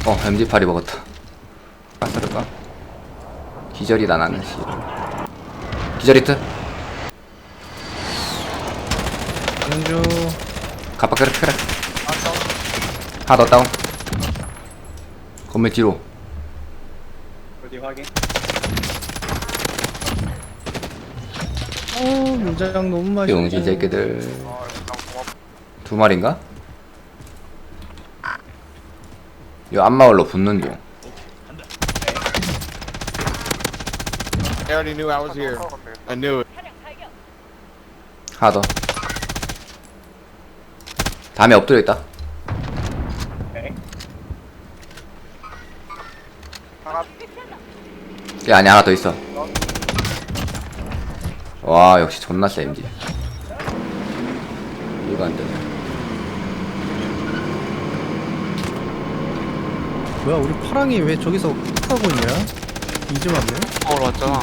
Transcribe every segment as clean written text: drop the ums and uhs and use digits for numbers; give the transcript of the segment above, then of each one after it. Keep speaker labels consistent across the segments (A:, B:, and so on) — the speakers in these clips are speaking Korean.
A: MG8이 먹었다. 가스를까? 기절이다 나는 씨. 기절이트?
B: 연주
A: 가빠 그래. 하나 더 다운. 건물 뒤로.
C: 어디 확인?
B: 물장 너무 맛있어.
A: 용지 새끼들. 두 마리인가? 요 앞마을로 붙는 중.
D: I already knew I was here. I knew it.
A: 하나 더. 다음에 엎드려 있다.
C: 오케이.
A: 야, 안에 하나 더 있어. 와, 역시 존나 세, MG. 이거 안 되네.
B: 뭐야 우리 파랑이 왜 저기서 하고 있냐? 이제 왔네.
E: 왔잖아.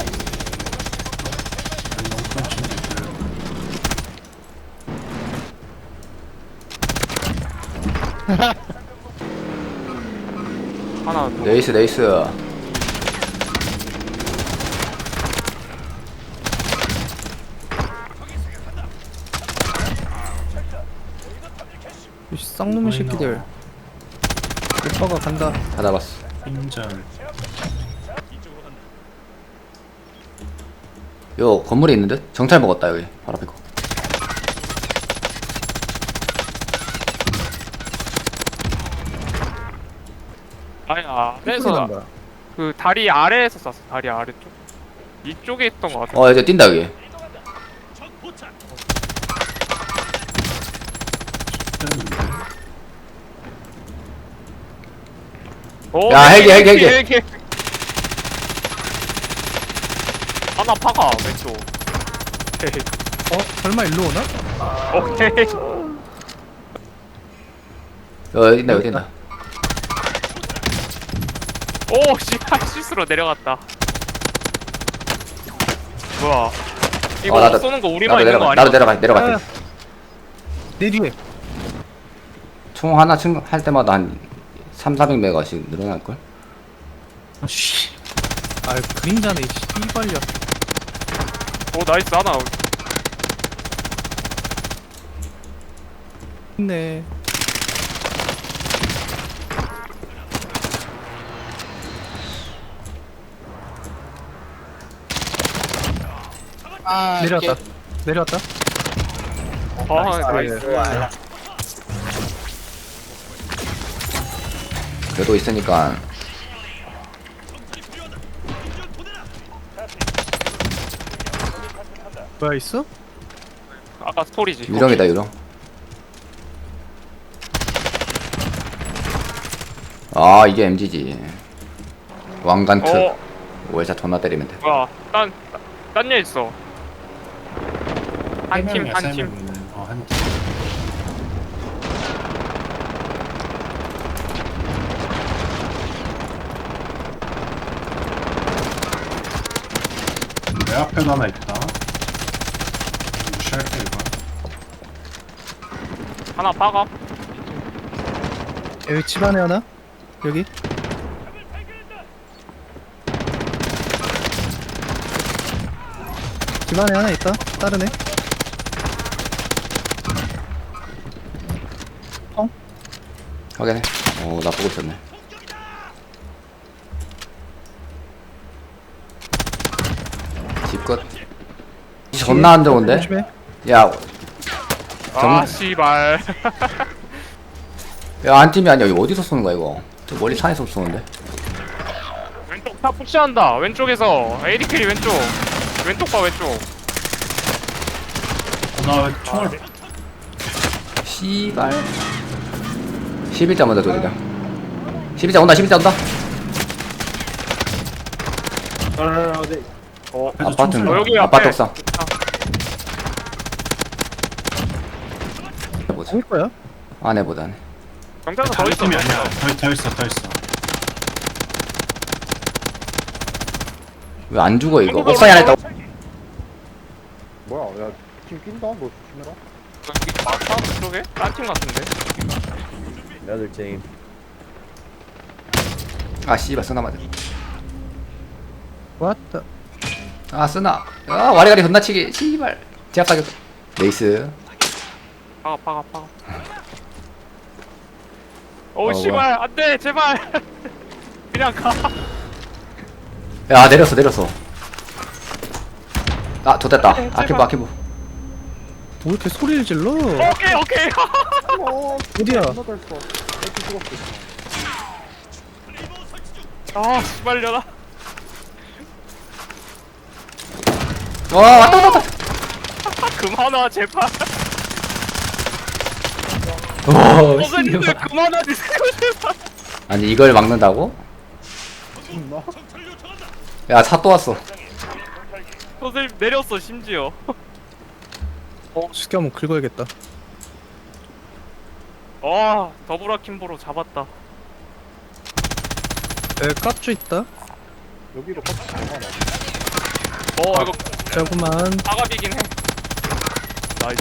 E: 하나 더.
A: 네이스.
B: 이 쌍놈의 새끼들. 오빠가 간다.
A: 다 잡았어.
F: 인전.
A: 요 건물에 있는 듯? 정찰 먹었다 여기 바로 앞에 거.
E: 아니
B: 소리
E: 아래에서
B: 난다.
E: 그 다리 아래에서 쐈어. 다리 아래쪽. 이쪽에 있던 것 같아.
A: 이제 뛴다 여기.
E: 오,
A: 야, 헬기.
E: 하나 파가 왼쪽.
B: 설마 일로 오나?
E: 오케이.
A: 여기 뛴다.
E: 오 씨발 실수로 내려갔다. 뭐야? 이거
A: 나도-
E: 쏘는 거 우리만 있는 거
A: 나도
E: 아니야?
A: 내려가.
B: 아, 내 뒤에.
A: 총 하나 할 때마다 한 300-400메가씩 늘어날걸?
B: 씨. 아 그림자네. 씨발려.
E: 오 나이스 하나.
B: 있네. 내려왔다.
E: 아 나이스.
A: 그래도 있으니까
B: 뭐야 있어?
E: 아까 스토리지.
A: 유령이다 유령. 아 이게 MG지. 왕관트. 월샷 존나 때리면 돼.
E: 뭐야? 딴일 있어. 한 팀.
F: 한 팀. 내 앞에도 하나 있다. 무시할게 이거.
E: 하나 파가.
B: 여기 집 안에 하나? 여기? 집 안에 하나 있다. 다른 애.
A: 확인해. 나 보고 있었네. 집 끝. 존나 안 좋은데?
B: 조심해.
A: 야,
E: 아 씨발.
A: 야, 안 팀이 아니야. 이거 어디서 쏘는 거야, 이거? 저 멀리 산에서 쏘는데?
E: 왼쪽 다 푸시한다. 왼쪽에서 ADK 왼쪽. 왼쪽 봐 왼쪽.
F: 나 총알
A: 씨발. 11자 먼저 돌리자. 11자 온다.
C: 어디?
A: 아파트,
E: 여기
A: 아파트
E: 앞에.
A: 옥상. 뭐지?
B: 올 거야?
A: 안에 보다네.
E: 경찰서 더
F: 다른
E: 있어.
F: 팀이 아니야. 더 있어.
A: 왜 안 죽어, 이거? 옥상에 하나 있다.
C: 뭐야? 야, 팀 낀다. 너 조심해라.
E: 마사 그쪽에? 딴 팀 같은데.
C: Another team.
A: 아 씨발 쓰나 맞아.
B: 왔다.
A: 아 쓰나. 아 와리가리 건나치기. 씨발. 제압 가격. 네이스.
E: 박아. 오 씨발 안돼 제발. 그냥 가.
A: 야 내렸어. 아 좋됐다. 아키브.
B: 왜 이렇게 소리를 질러?
E: 오케이.
B: 어디야?
C: 존나 잘 써. 이렇게 죽었어.
E: 아 씨발려라.
A: 와 왔다.
E: 그만 와 제발.
A: 오
E: 선생님들
A: 씨발.
E: 그만하지 제발.
A: 아니 이걸 막는다고?
C: 존나?
A: 야 차 또 왔어.
E: 선생님 내렸어 심지어.
B: 쉽게 한번 긁어야겠다.
E: 와 더블아 킴보로 잡았다.
B: 에 깝주 있다.
C: 여기로 컷 얼마나?
E: 이거
B: 자구만.
E: 사갑이긴 해. 나이스.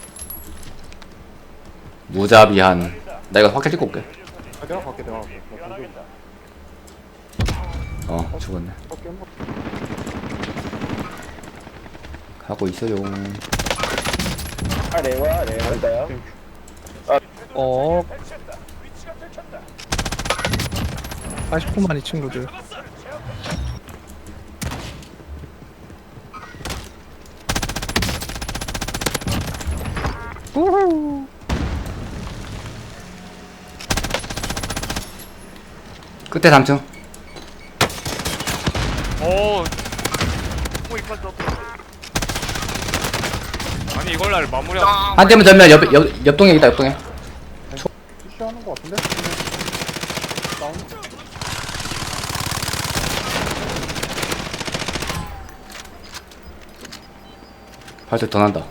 A: 무자비한. 나 이거 확실히 찍고 올게.
C: 아, 내가 갈게. 나 공격이다.
A: 죽었네.
C: 깻먹.
A: 가고 있어요.
B: 어. 80%만 이 친구들. 우후.
A: 끝에 3층.
E: 오 이빨 떴다. 아니 이걸 날 마무리하고.
A: 한 대면 전면 옆동에 있다 옆동에.
C: 푸시하는 거 같은데? 다운.
A: 발소리 더 난다.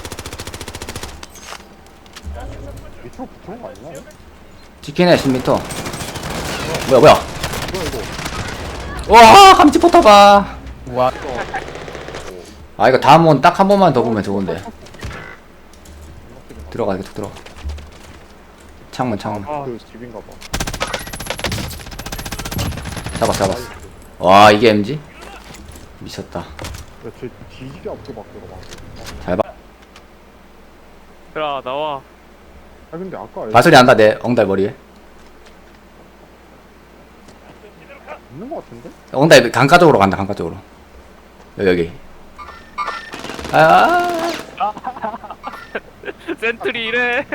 C: 밑으로 붙는 거 아니야?
A: 치킨에 10m. 뭐야?
C: 이거.
A: 와 감지 포터봐. 와. 아 이거 다음 원 딱 한 번만 더 보면 좋은데. 들어가 계속 들어가. 창문.
C: 그 집인가 봐.
A: 잡았어. 와 이게 MG? 미쳤다.
C: 야, 쟤 뒤지게 앞에 막 들어가.
A: 잘 봐.
E: 야 나와.
C: 아, 근데 아까
A: 발소리 난다 내 엉달 머리에.
C: 있는 거 같은데?
A: 엉달 강가 쪽으로 간다 강가 쪽으로. 여기. 아.
E: 센트리 이래.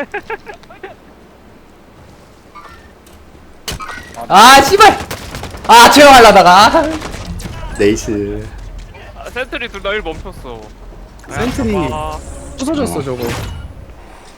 A: 아 씨발. 아 채용하려다가. 네이스.
E: 센트리 둘 다 일 멈췄어.
B: 센트리
E: 아,
B: 부서졌어 저거.